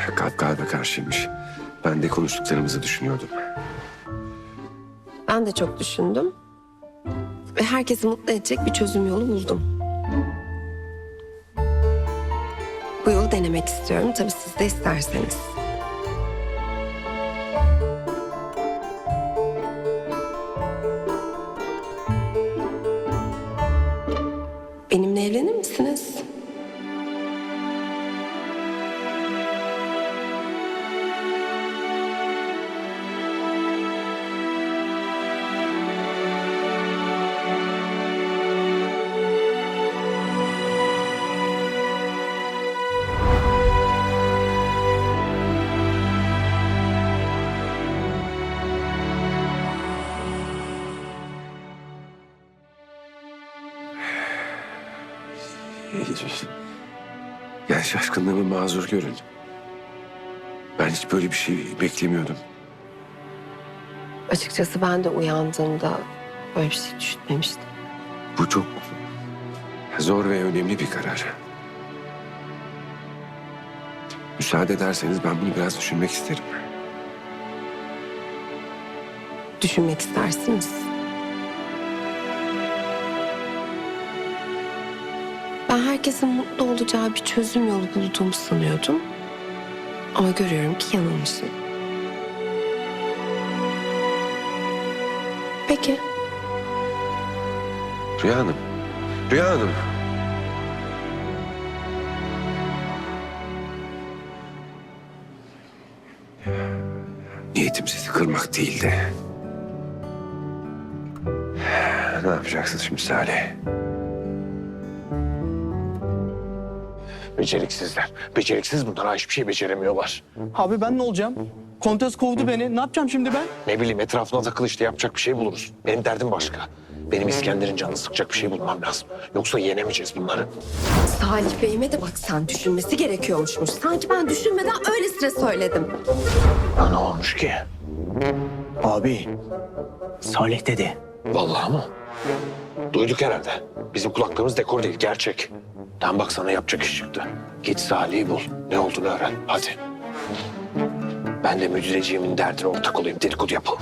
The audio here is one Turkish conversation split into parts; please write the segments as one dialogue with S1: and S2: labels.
S1: Kalp kalbe karşıymış. Ben de konuştuklarımızı düşünüyordum.
S2: Ben de çok düşündüm. Ve herkesi mutlu edecek bir çözüm yolu buldum. Bu yolu denemek istiyorum. Tabii siz de isterseniz. Benimle evlenir misiniz?
S1: Yani şaşkınlığımı mazur görün. Ben hiç böyle bir şey beklemiyordum.
S2: Açıkçası ben de uyandığımda böyle bir şey düşünmemiştim.
S1: Bu çok zor ve önemli bir karar. Müsaade ederseniz ben bunu biraz düşünmek isterim.
S2: Düşünmek istersiniz. Ben herkesin mutlu olacağı bir çözüm yolu bulduğumu sanıyordum. Ama görüyorum ki yanılmışım. Peki.
S1: Rüya Hanım. Rüya Hanım. Niyetim sizi kırmak değildi. Ne yapacaksınız şimdi Salih?
S3: Beceriksizler. Beceriksiz bunlar. Hiçbir şey beceremiyorlar.
S4: Abi ben ne olacağım? Kontes kovdu beni. Ne yapacağım şimdi ben?
S3: Ne bileyim etrafına takıl işte yapacak bir şey buluruz. Benim derdim başka. Benim İskender'in canını sıkacak bir şey bulmam lazım. Yoksa yenemeyeceğiz bunları.
S2: Salih Bey'ime de bak sen düşünmesi gerekiyormuşmuş. Sanki ben düşünmeden öylesine söyledim.
S3: Ya ne olmuş ki?
S4: Abi Salih dedi.
S3: Vallahi mı? Duyduk herhalde. Bizim kulaklarımız dekor değil, gerçek. Tam bak sana yapacak iş çıktı. Git Salih'i bul. Ne olduğunu öğren. Hadi. Ben de müdüreciğimin derdine ortak olayım. Dedikodu yapalım.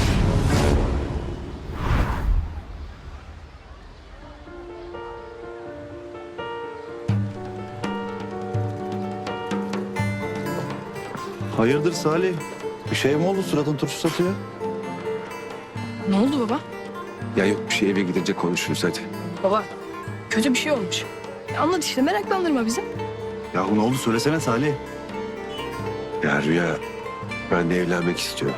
S5: Hayırdır Salih? Bir şey mi oldu? Suratın turşu satıyor.
S6: Ne oldu baba?
S1: Ya yok bir şey, eve gidince konuşuruz hadi.
S6: Baba, kötü bir şey olmuş. Anlat işte, meraklandırma bizi.
S5: Yahu ne oldu? Söylesene Salih.
S1: Ya Rüya, ben de evlenmek istiyorum.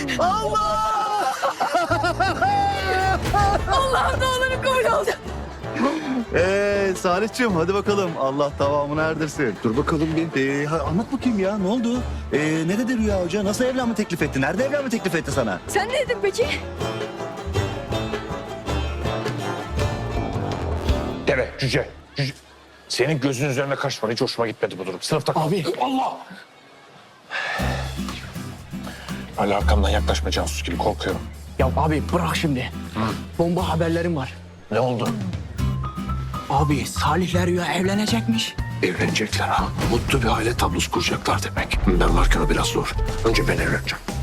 S6: Allah'ım ne olur böyle oldu.
S5: Salihciğim hadi bakalım. Allah tamamını erdirsin. Dur bakalım bir. Anlat bakayım ya ne oldu? Ne dedi Rüya Hoca? Nasıl evlenme teklif etti? Nerede evlenme teklif etti sana?
S6: Sen ne dedin peki?
S3: Deve, cüce. Senin gözün üzerine kaçma. Hiç hoşuma gitmedi bu durum. Sınıfta kal.
S4: Abi.
S3: Allah! Hala arkamdan yaklaşma casus gibi korkuyorum.
S4: Ya abi bırak şimdi. Bomba haberlerim var.
S3: Ne oldu?
S4: Abi Salih'le Rüya evlenecekmiş.
S3: Evlenecekler ha. Mutlu bir aile tablosu kuracaklar demek. Ben varken o biraz zor. Önce ben evleneceğim.